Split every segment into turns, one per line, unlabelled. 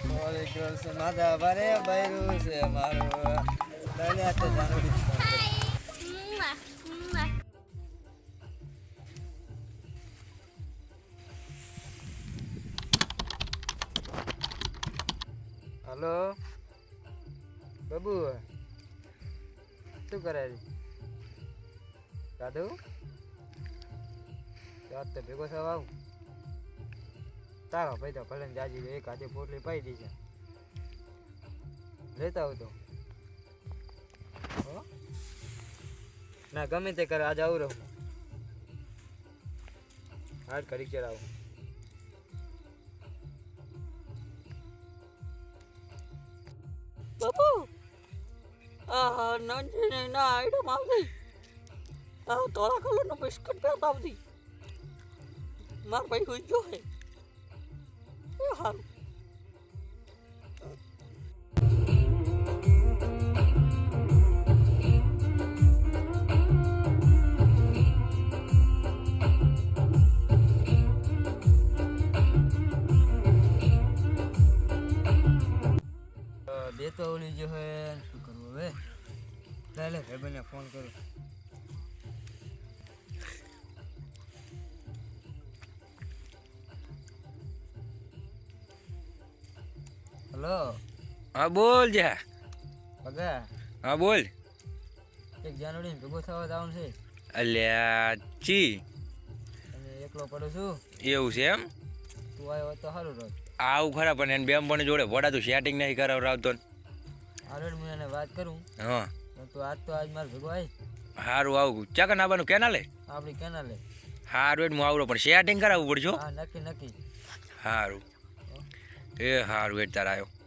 ઓરે girls માથા ભારે બૈરું છે મારું લઈને આ તો જાનુડી હલો બાબુ શું કરે છે દાદુ રાત તો ભેગો થવા આવું તારો ભાઈ તો ભલે જાજી એક હાથે પોટલી પાઈ દી છે લેતા આવું તો ના ગમે તે કરે આજે આવું રહું હાડ કરી ચડાવું
બાપુ નંદીને ના આઈટમ આવતી ધોળા કલરનો બિસ્કટ પહેરતા આવતી મારા ભાઈ હોઈ ગયો હે એ સારું
બે તો ઓલી જો હે શું કરવું હવે ચાલે ભાઈબંધને ફોન કરું હલો
હા બોલ જા
પગા
હા બોલ
એક જાનુડી ભેગો થવા જવાનું છે
અલ્યા ચી
અને એકલો પડું છું
એવું છે એમ
તું આવ્યો તો સારું રોજ
આવું ખરા પણ એને બેમ પણ જોડે વડા તું સેટિંગ નહીં કરાવતો
હારું હું એને વાત કરું
હા
તું આજ તો આજ મારે ભેગો આવી
સારું આવું ચાકન આવવાનું કેના લે
આપણી કેનાલે
સારું એટલે હું આવડો પણ સેટિંગ કરાવવું પડશે
હા નક્કી નક્કી
સારું એ સારું એટલે તાર આવ્યો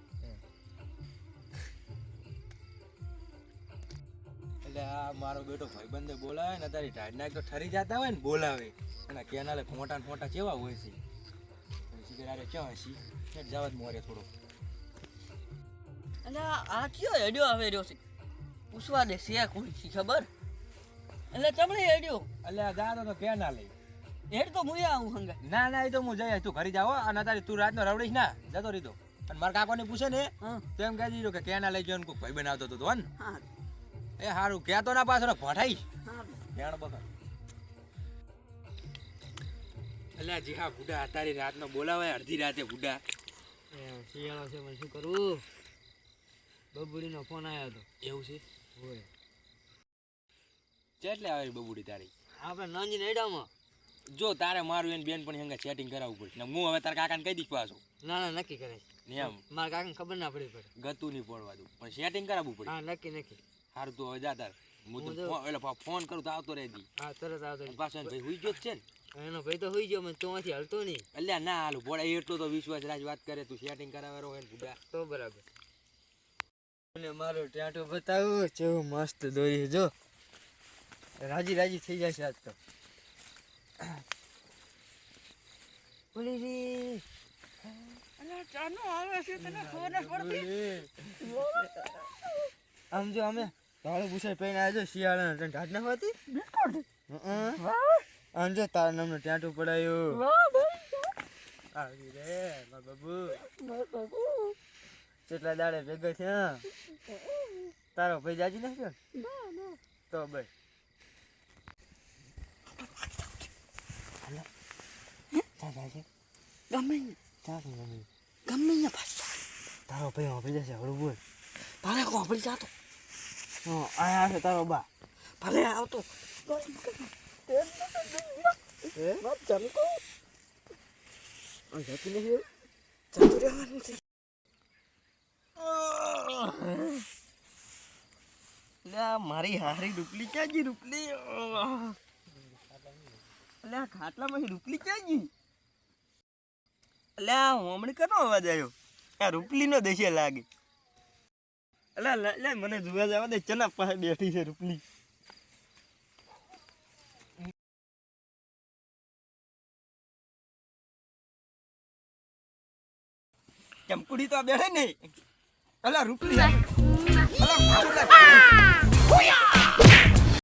એટલે આ મારો બેટો ભાઈબંધે બોલાવે ને તારી ઢાઢ નાખ તો ઠરી જતા હોય ને બોલાવે અને કેનાલે ફોટા ને ફોટા કેવા હોય છે સિગરેટ ક્યાં હસી જવા જ મોરે થોડો
અને આ કયો હેડ્યો આવે રહ્યો છે પૂછવા દે છે કોણ છે ખબર એટલે તમને હેડ્યો
એટલે આ ગાતો તો કેનાલે
હેડ તો મુએ આવું હંગા
ના ના એ તો હું જઈ તું ઘરે જાવ અને તારી તું રાતનો રવડીશ ના જતો રીતો અને મારા કાકોને પૂછે ને તો એમ કહી દીધું કે કેના લઈ ગયો કોઈ ભાઈ બનાવતો હતો ને
હા
એ સારું કહેતો ના પાછો ભઠાઈશ
હા
જાણ બકા અલ્યા જી હા બુડા તારી રાતનો બોલાવે અડધી રાતે બુડા શિયાળો છે પણ શું કરવું બબુડીનો ફોન આવ્યો હતો એવું છે હોય કેટલે આવે બબુડી તારી આપણે નાંજી નેડામાં જો તારે મારું એને બેન પણ હંગા સેટિંગ કરાવવું પડશે ને હું હવે તારા કાકાને કહી દઈશ પાછો ના ના નક્કી કરે એમ મારા કાકાને ખબર ના પડી પડે ગતું નહીં પડવા દઉં પણ સેટિંગ કરાવવું પડે હા નક્કી નક્કી સારું તું હવે જા તાર હું તો એટલે ફોન કરું તો આવતો રહેજી હા તરત આવતો પાછો ભાઈ હુઈ ગયો છે ને એનો ભાઈ તો હુઈ ગયો મને તોમાંથી હલતો નહીં અલ્યા ના હાલું બોડા એટલો તો વિશ્વાસ રાજ વાત કરે તું સેટિંગ કરાવેરો હોય ને બુડા તો બરાબર મને મારો ટાટો બતાવું કેવું મસ્ત દોરી જો રાજી રાજી થઈ જશે આજ તો બોલી રે
અલા ચાનો આવે છે તને ખબર ન પડતી
આમ જો અમે તાળો પૂછાય પહેરીને આવ્યા જો શિયાળાના તને ઢાઢ ના હોતી
બિસ્કટ
આમ જો તારા નામનો ટાટો પડાયો
વાહ ભાઈ
આવી રે માર બાબુ
બાબુ
કેટલા દાડે ભેગા થયા તારો ભાઈ જાજી નાખ્યો
ના ના
તો ભાઈ
ગમે ગમે ને પાછા
તારો ભાઈ વાપરી જશે હળવું બોલ
ભલે કોપડી જાતો
આયા છે તારો બા
ભલે આવતો
એ
વાત જમતો
જતી નહીં
જતું રહેવાનું છે મારી હારી રૂપલી ક્યાં ગઈ રૂપલી અલ્યા ખાટલામાંથી રૂપલી ક્યાં ગઈ અલ્યા હોમણી કરનો અવાજ આવ્યો આ રૂપલીનો દેશે લાગે અલ્યા લે મને જોવા જવા દે ચના પાસે બેઠી છે રૂપલી ચમકુડી તો બેઠે નહીં અલ્યા રૂપલી અલ્યા